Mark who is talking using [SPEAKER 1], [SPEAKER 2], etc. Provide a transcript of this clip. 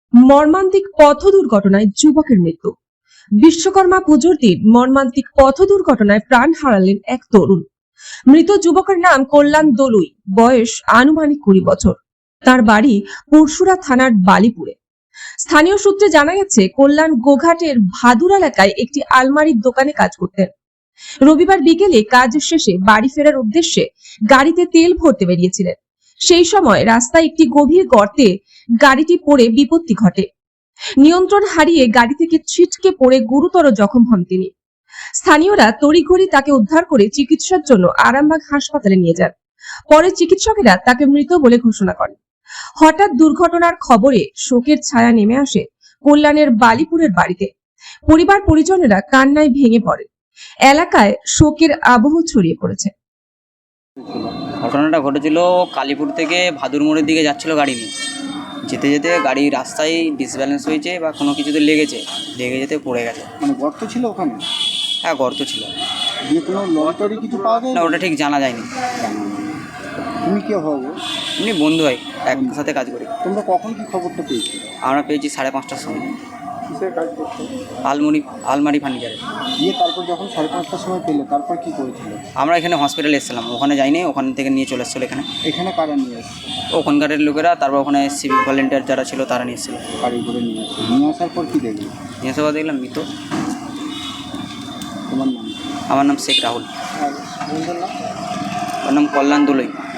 [SPEAKER 1] মর্মান্তিক পথ দুর্ঘটনায় যুবকের মৃত্যু। বিশ্বকর্মা পুজোর দিন মর্মান্তিক পথ দুর্ঘটনায় প্রাণ হারালেন এক তরুণ। মৃত যুবকের নাম কল্যাণ দলুই, বয়স আনুমানিক 20 বছর। তার বাড়ি পরশুরা থানার বালিপুরে। স্থানীয় সূত্রে জানা গেছে, কল্যাণ গোঘাটের ভাদুর এলাকায় একটি আলমারির দোকানে কাজ করতেন। রবিবার বিকেলে কাজ শেষে বাড়ি ফেরার উদ্দেশ্যে গাড়িতে তেল ভরতে বেরিয়েছিলেন। সেই সময় রাস্তায় একটি গভীর গর্তে গাড়িটি পড়ে বিপত্তি ঘটে। নিয়ন্ত্রণ হারিয়ে গাড়ি থেকে ছিটকে পড়ে গুরুতর জখম হন তিনি। স্থানীয়রা তড়িঘড়ি তাকে উদ্ধার করে চিকিৎসার জন্য আরামবাগ হাসপাতালে নিয়ে যান। পরে চিকিৎসকেরা তাকে মৃত বলে ঘোষণা করেন। হঠাৎ দুর্ঘটনার খবরে শোকের ছায়া নেমে আসে কল্যাণের বালিপুরের বাড়িতে। পরিবার পরিজনেরা কান্নায় ভেঙে পড়ে। এলাকায় শোকের আবহ ছড়িয়ে পড়েছে।
[SPEAKER 2] ঘটনাটা ঘটেছিল কালীপুর থেকে ভাদুর মোড়ের দিকে যাচ্ছিল গাড়ি নিয়ে। যেতে যেতে গাড়ি রাস্তায় ডিসব্যালেন্স হয়েছে বা কোনো কিছুতে লেগে যেতে পড়ে গেছে।
[SPEAKER 3] মানে গর্ত ছিল ওখানে?
[SPEAKER 2] হ্যাঁ, গর্ত ছিল।
[SPEAKER 3] দিয়ে কোনো লটারি কিছু পাওয়া যায়
[SPEAKER 2] না, ওটা ঠিক জানা যায়নি।
[SPEAKER 3] তুমি কে হবো?
[SPEAKER 2] এমনি বন্ধু হয়, একসাথে কাজ করি।
[SPEAKER 3] তোমরা কখন কি খবরটা পেয়েছো?
[SPEAKER 2] আমরা পেয়েছি 5:30টার সময়।
[SPEAKER 3] কিসের কাজ করছো?
[SPEAKER 2] আলমারি ফার্নিচারে।
[SPEAKER 3] দিয়ে তারপর যখন 5:30টার সময় পেলে তারপর কি করেছিল?
[SPEAKER 2] আমরা এখানে হসপিটালে এসেছিলাম, ওখানে যাইনি, ওখান থেকে নিয়ে চলে এসেছিলো এখানে।
[SPEAKER 3] এখানে কারা নিয়ে এসছে?
[SPEAKER 2] ওখানকারের লোকেরা, তারপর ওখানে সিভিক ভলেন্টিয়ার যারা ছিল তারা নিয়ে এসেছিলো।
[SPEAKER 3] গাড়ি করে নিয়ে আসছে, নিয়ে আসার পর কি দেখলি?
[SPEAKER 2] নিয়ে এসে দেখলাম মৃত।
[SPEAKER 3] তোমার নাম?
[SPEAKER 2] আমার নাম শেখ রাহুল।
[SPEAKER 3] আর বন্ধুর নাম?
[SPEAKER 2] ওর নাম কল্যাণ দোলই।